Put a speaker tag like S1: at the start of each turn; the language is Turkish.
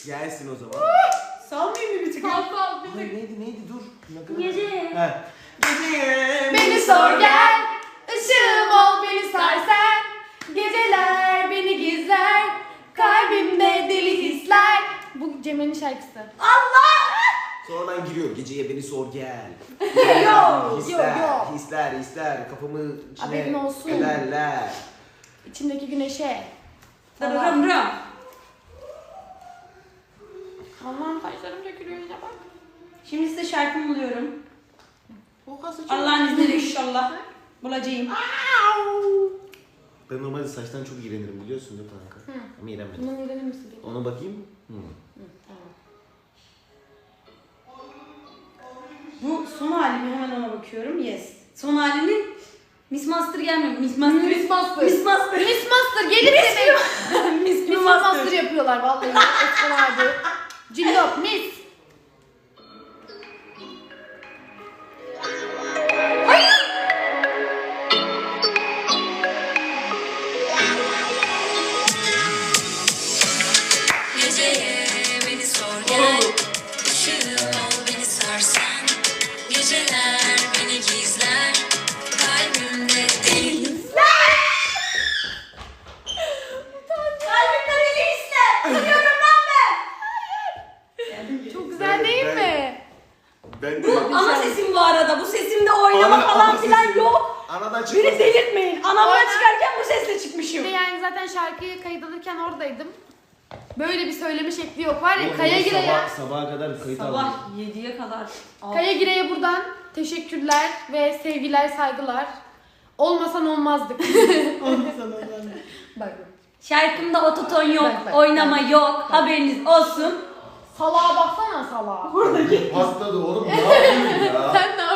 S1: Gelsin o zaman.
S2: Salmayayım mı bir tık?
S3: Sal bir
S1: Ay,
S3: tık.
S1: neydi dur.
S2: Gece.
S1: He. Gece.
S3: Beni sor gel, ışığım ol beni sar sen. Geceler beni gizler, kalbimde deli hisler. Bu Cemre'nin şarkısı.
S1: Sonradan giriyor. Geceye beni sor gel.
S3: Yo.
S1: Hisler kafamı
S3: Haberin
S1: içine
S3: olsun.
S1: ederler.
S3: İçimdeki güneşe.
S2: Dararım ram.
S3: Allah'ım saçlarım dökülüyor yine bak.
S2: Şimdi size şarkımı buluyorum.
S3: O kası çok...
S2: Allah'ın izniyle inşallah bulacağım.
S1: Ben normalde saçtan çok iğrenirim biliyorsun değil mi kanka? Ama iğrenmedim.
S3: Bundan öğrenir misin?
S1: Ona bakayım.
S3: Tamam.
S2: Bu son halimi, hemen ona bakıyorum. Yes. Son halinin Miss Master gelmiyor. Miss Master.
S3: Miss Master.
S2: Miss Master.
S3: Miss Master gelir demek. Miss Master yapıyorlar vallahi. Eskiden abi. Cillop, Miss.
S4: Geceye beni sor gel, ışığım ol beni sarsan. Geceler beni gizler, kalbimde deli.
S2: Kalbimden eli ister. Biliyorum lan ben.
S3: Çok güzel değil mi?
S1: Ben
S2: Bu ana sesim bu arada. Bu sesimde oynama falan filan yok.
S1: Anadan
S2: Beni
S1: çıkmasın.
S2: delirtmeyin. Anamdan
S3: Aynen.
S2: çıkarken bu sesle
S3: Bir
S2: çıkmışım.
S3: de yani zaten şarkıyı kayıt alırken oradaydım. Böyle bir söyleme şekli yok var ya.
S1: Oğlum,
S3: Kaya
S1: onu
S3: Gire'ye,
S1: Sabaha kadar kayıt aldım.
S2: Sabah 7'ye kadar.
S3: Kaya Gire'ye buradan teşekkürler ve sevgiler, saygılar. Olmasan olmazdık. Bak.
S2: Şarkımda ototon yok,
S3: Bak.
S2: oynama yok. Haberiniz olsun.
S3: Salağa baksana salağa.
S1: Patladı oğlum ne yapıyorsun ya?
S3: Sen ne